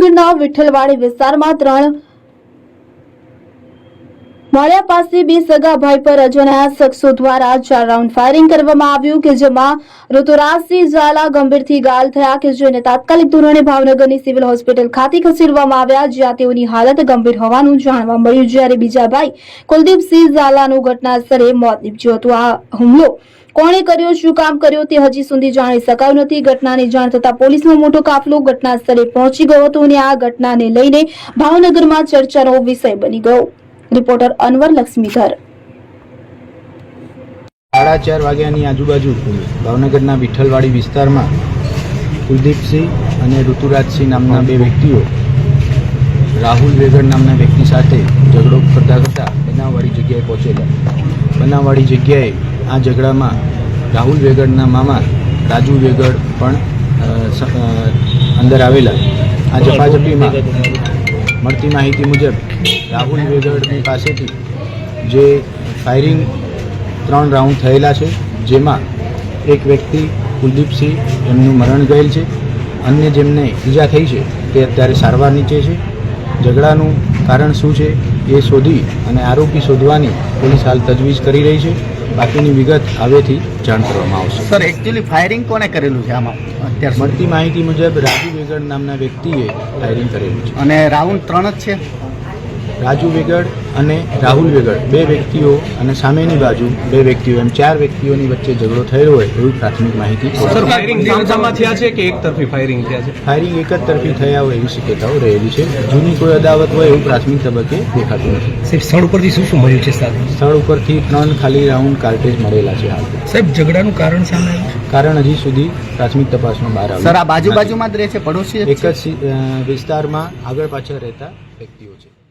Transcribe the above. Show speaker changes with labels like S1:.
S1: ભાવનગરના વિઠ્ઠલવાડી વિસ્તારમાં 3 માળિયા પાસે 2 સગા ભાઈ પર અજાણ્યા શખ્સો દ્વારા 4 રાઉન્ડ ફાયરિંગ કરવામાં આવ્યું કે જેમાં ઋતુરાજસિંહ ઝાલા ગંભીરથી ઘાયલ થયા કે જેને તાત્કાલિક ધોરણે ભાવનગરની સિવિલ હોસ્પિટલ ખાતે ખસેડવામાં આવ્યા જ્યાં તેઓની હાલત ગંભીર હોવાનું જાણવા મળ્યું જ્યારે બીજા ભાઈ કુલદીપસિંહ ઝાલાનું ઘટના સ્થળે મોત નીપજ્યું હતું। આ હુમલો કોણે કર્યો, શું કામ કર્યો તે હજી સુધી જાણી શકાયું નથી। ઘટનાની જાણ થતાં પોલીસનો મોટો કાફલો ઘટના સ્થળે પહોંચી ગયો હતો અને આ ઘટનાને લઈને ભાવનગરમાં ચર્ચાનો વિષય બની ગયો। રિપોર્ટર અનવર લક્ષ્મીધર।
S2: 4:30 વાગ્યાની આજુબાજુ ભાવનગરના વિઠ્ઠલવાડી વિસ્તારમાં કુલદીપસિંહ અને ઋતુરાજસિંહ નામના 2 વ્યક્તિઓ રાહુલ વેગડ નામના વ્યક્તિ સાથે ઝઘડો કરતા બનાવવાળી જગ્યાએ પહોંચેલા। બનાવવાળી જગ્યાએ આ ઝઘડામાં રાહુલ વેગડના મામા રાજુ વેગડ પણ અંદર આવેલા। આ ઝપાઝપીમાં મળતી માહિતી મુજબ રાહુલ વેગડની પાસેથી જે ફાયરિંગ 3 રાઉન્ડ થયેલા છે જેમાં એક વ્યક્તિ કુલદીપસિંહ એમનું મરણ ગયેલ છે, અન્ય જેમને ઈજા થઈ છે તે અત્યારે સારવાર નીચે છે। ઝઘડાનું કારણ શું છે એ શોધી અને આરોપી શોધવાની પોલીસ હાલ તજવીજ કરી રહી છે। બાકીની વિગત હવેથી જાણ કરવામાં આવશે।
S3: સર, એકચ્યુઅલી ફાયરિંગ કોને કરેલું છે આમાં? અત્યારે
S2: મળતી માહિતી મુજબ રાજુ વેગડ નામના વ્યક્તિએ ફાયરિંગ કરેલું છે
S3: અને રાઉન્ડ 3 જ છે।
S2: રાજુ વેગડ અને રાહુલ વેગડ 2 વ્યક્તિઓ અને સામેની બાજુ 2 વ્યક્તિઓ એમ 4 વ્યક્તિઓની વચ્ચે ઝઘડો થયો હોય એવી પ્રાથમિક માહિતી છે।
S4: સર, ફાયરિંગ સામસામાં થયા છે કે એક તરફી ફાયરિંગ થયા છે?
S2: ફાયરિંગ એક જ તરફી થયા હોય એવી શક્યતાઓ રહેલી છે। જૂની કોઈ અદાવત હોય એવું પ્રાથમિક તબક્કે દેખાતું નથી।
S4: સાહેબ, સ્થળ ઉપરથી શું મળ્યું છે?
S2: સ્થળ ઉપરથી 3 ખાલી રાઉન્ડ કાર્ટેજ મળેલા છે હાલ।
S4: સાહેબ, ઝઘડાનું કારણ સામે આવ્યું?
S2: કારણ હજી સુધી પ્રાથમિક તપાસમાં બહાર આવ્યું
S3: સર, આ બાજુમાં જ રહે છે, પડોશી
S2: એક જ વિસ્તારમાં આગળ પાછળ રહેતા વ્યક્તિઓ છે।